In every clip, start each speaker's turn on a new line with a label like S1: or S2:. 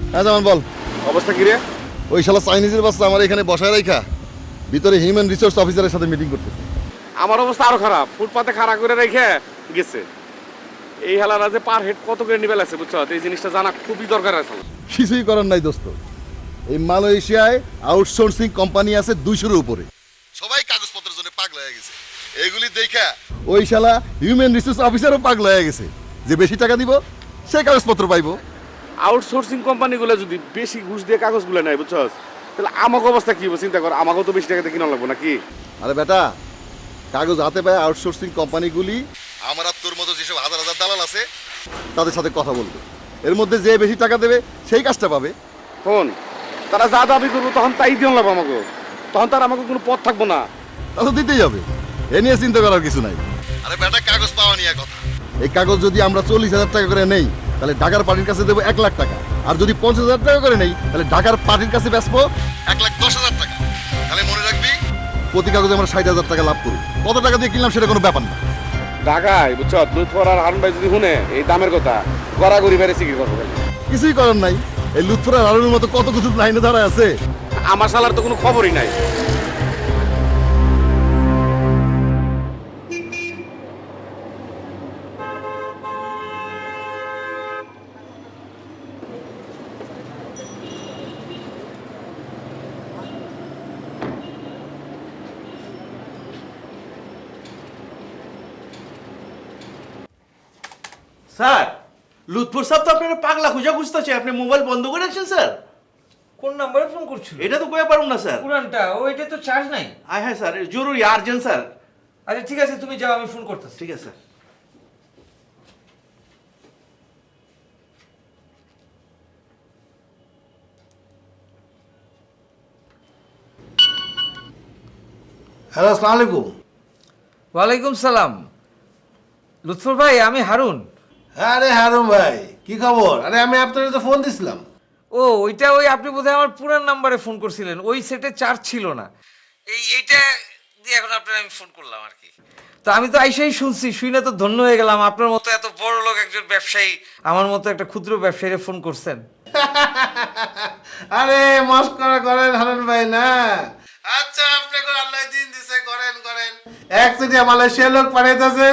S1: হ্যাঁ যেমন বল।
S2: অবস্থা কি রে?
S1: ওই শালা চাইনিজের বাচ্চা আমার এখানে বসায় রাখা ভিতরে হিউম্যান রিসোর্স অফিসারের সাথে মিটিং করতেছে।
S2: আমার অবস্থা আরো খারাপ, ফুটপাতে খাড়া করে রেখে গেছে। এই হালারা যে পার হেড কত করে নিবে লাগছে বুঝছো, এই জিনিসটা জানা খুবই দরকার আছে।
S1: কিছুই করার নাই দোস্ত, এই মালয়েশিয়ায় আউটসোর্সিং কোম্পানি আছে 200-এর উপরে, সবাই কাগজপত্রের জন্য পাগল হয়ে গেছে। এগুলি দেখা ওই শালা হিউম্যান রিসোর্স অফিসারও পাগল হয়ে গেছে যে বেশি টাকা দিব সে কাগজপত্র পাইবো।
S2: আউটসোর্সিং কোম্পানিগুলো যদি বেশি ঘুষ দিয়ে কাগজগুলো নেয় বুঝছো, তাহলে আমাকে অবস্থা কি হবে চিন্তা কর। আমাকেও তো বেশি টাকাতে কিনা লাগবো নাকি?
S1: আরে বেটা, কাগজ হাতে পায় আউটসোর্সিং কোম্পানিগুলি আমার আর তোর মতো যেসব হাজার হাজার দালাল আছে তাদের সাথে কথা বলবে, এর মধ্যে যে বেশি টাকা দেবে সেই কাজটা পাবে।
S2: ফোন তারা যা দাবি করবো তখন তাই দিয়ে লাগবো আমাকে, তখন তার আমাকে কোনো পথ থাকবো না।
S1: তা তো দিতেই হবে, এ নিয়ে চিন্তা করার কিছু নাই। আরে বেটা, কাগজ পাওয়া নিয়ে কথা। এই কাগজ যদি আমরা 40,000 টাকা করে নেই তাহলে ঢাকার পার্টির কাছে দেবো 1 লাখ টাকা, আর যদি 50,000 টাকা করে নেই তাহলে ঢাকার পার্টির কাছে বেচবো 1,10,000 টাকা। তাহলে মনে রাখবি প্রতি কাগজে আমরা 60,000 টাকা লাভ করি। কত টাকা দিয়ে কিনলাম সেটা কোনো ব্যাপার না।
S2: ঢাকায় বুঝছো লুৎফর আর হারুন ভাই যদি শুনে এই দামের কথা, গড়াগড়ি বেড়ে সিকি করবো।
S1: কিছুই করার নাই, এই লুৎফুরা হারুনের মতো কত কিছু লাইনে দাঁড়ায় আছে।
S2: আমার শালার তো কোনো খবরই নাই।
S3: স্যার, লুৎফর সাহেব তো আপনার পাগলা খুঁজা খুঁজতেছে, আপনি মোবাইল বন্ধ করে রাখছেন স্যার।
S4: কোন নাম্বারে ফোন করছিল?
S3: এটা তো কয়ে পারুন না স্যার।
S4: পুরানটা, ওইটা তো চার্জ নাই।
S3: হ্যাঁ স্যার, জরুরি আর্জেন্ট স্যার।
S4: আচ্ছা ঠিক আছে, তুমি যাও, আমি ফোন করতেছি।
S3: ঠিক আছে স্যার।
S5: হ্যালো, আসসালামু আলাইকুম।
S4: ওয়ালাইকুম সালাম। লুৎফর ভাই, আমি হারুন।
S5: আরে হারুন ভাই, কি খবর? আরে আমি আপনার তো ফোন দিছিলাম।
S4: ও ওইটা, ওই আপনি বোধহয় আমার পুরান নাম্বারে ফোন করছিলেন, ওই সেটে চার্জ ছিল না। এইটা দিয়ে এখন আপনার আমি ফোন করলাম আর কি। তো আমি তো আইসাই শুনছি, শুনে তো ধন্য হয়ে গেলাম, আপনার মতো এত বড় লোক একজন ব্যবসায়ী আমার মতো একটা ক্ষুদ্র ব্যবসায়ীরে ফোন করছেন।
S5: আরে মস্করা করেন হারুন ভাই না। আচ্ছা, আপনি কোন আল্লাহ দিন দিছে, করেন করেন। একচেটিয়া মালয়েশিয়া লোক পাঠাইতেছেন।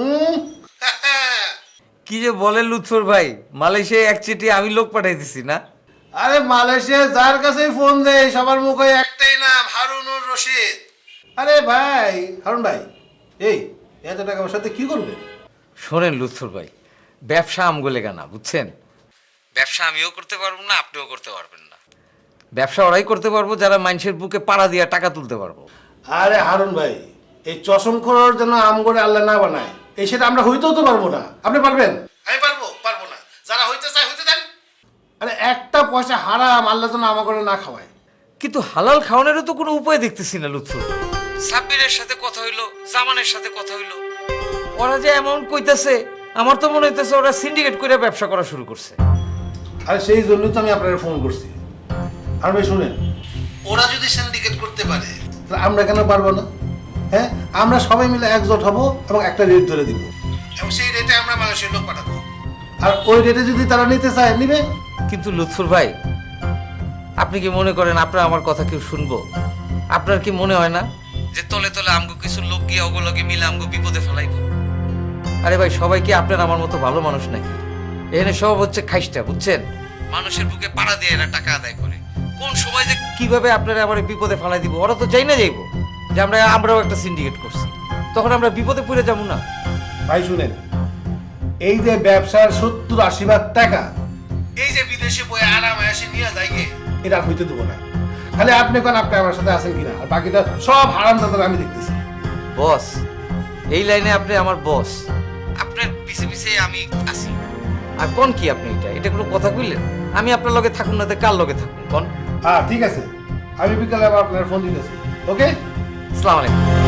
S4: কি যে বলেন লুৎফর ভাই, মালয়েশিয়ায় এক চিঠি আমি লোক পাঠাই দিছি না?
S5: আরে মালয়েশিয়া যার কাছেই ফোন দেয় সবার মুখে একটাই নাম, হারুনুর রশিদ। আরে ভাই হারুন ভাই, এই এত টাকা আমার সাথে কি করবেন?
S4: শোনেন লুৎফর ভাই, ব্যবসা আমগোলে গানা, বুঝছেন? ব্যবসা আমিও করতে পারবো না, আপনিও করতে পারবেন না। ব্যবসা ওরাই করতে পারবো যারা মানুষের বুকে পাড়া দিয়ে টাকা তুলতে পারবো।
S5: আরে হারুন ভাই, এই চশম খোরার জন্য আম করে আল্লাহ না বানায়, এই সেটা আমরা হইতেও তো পারবো না। আপনি পারবেন? আমি পারবো না। যারা হইতে চায় হইতে দেন। আরে একটা পয়সা হারাম আল্লাহ যেন আমা করে না খাওয়ায়।
S4: কিন্তু হালাল খাওয়ানোরও তো কোনো উপায় দেখতেছি না লুৎফর ভাই। সাব্বিরের সাথে কথা হইলো, জামানের সাথে কথা হইলো, ওরা যে অ্যামাউন্ট কইতাছে, আমার তো মনে হইতেছে ওরা সিন্ডিকেট করে ব্যবসা করা শুরু করছে।
S5: আর সেই জন্যই তো আমি আপনাকে ফোন করছি। আর ভাই শুনেন, ওরা যদি সিন্ডিকেট করতে পারে তাহলে আমরা কেন পারবো না? হ্যাঁ, আমরা সবাই মিলে একজোট হব এবং একটা রেট ধরে দিব, এবং সেই রেটে আমরা মানুষের লোক পাঠাবো। আর ওই রেটে যদি তারা নিতে চায় নিবে।
S4: কিন্তু লুৎফর ভাই, আপনি কি মনে করেন আপনার আমার কথা কেউ শুনবো? আপনার কি মনে হয় না যে তলে তলে আমগো কিছু লোক গিয়ে ওগুলোকে মিলে আমগো বিপদে ফেলাইব? আরে ভাই, সবাই কি আপনার আমার মতো ভালো মানুষ নাকি? এখানে সব হচ্ছে খাইস্টা, বুঝছেন? মানুষের বুকে পাড়া দিয়ে এরা টাকা আদায় করে। কোন সময় যে কিভাবে আপনারা আমার বিপদে ফেলাই দিব ওরা তো চাই না যাইব যে আমরাও একটা সিন্ডিকেট করছি, তখন আমরা বিপদে পড়ে যাবো না?
S5: ভাই শুনেন, এই যে ব্যবসার 70-80 ভাগ টাকা এই যে বিদেশে বই আরামে এসে নিয়ে যায়, এটা আর হইতে দেবো না। খালি আপনি কোন আপনি আমার সাথে আছেন কিনা, আর বাকিটা সব হারাম দাদা আমি দেখতেছি।
S4: বস, এই লাইনে আপনি আমার বস, আপনার পিছে পিছে আমি আছি। আর কোন কি আপনি এটা কোনো কথা কইলেন? আমি আপনার লগে থাকুন না, কার লগে থাকুন কোন?
S5: হ্যাঁ ঠিক আছে, আমি বিকালে আবার আপনার ফোন দিতেছি। ওকে,
S4: আসসালামু আলাইকুম।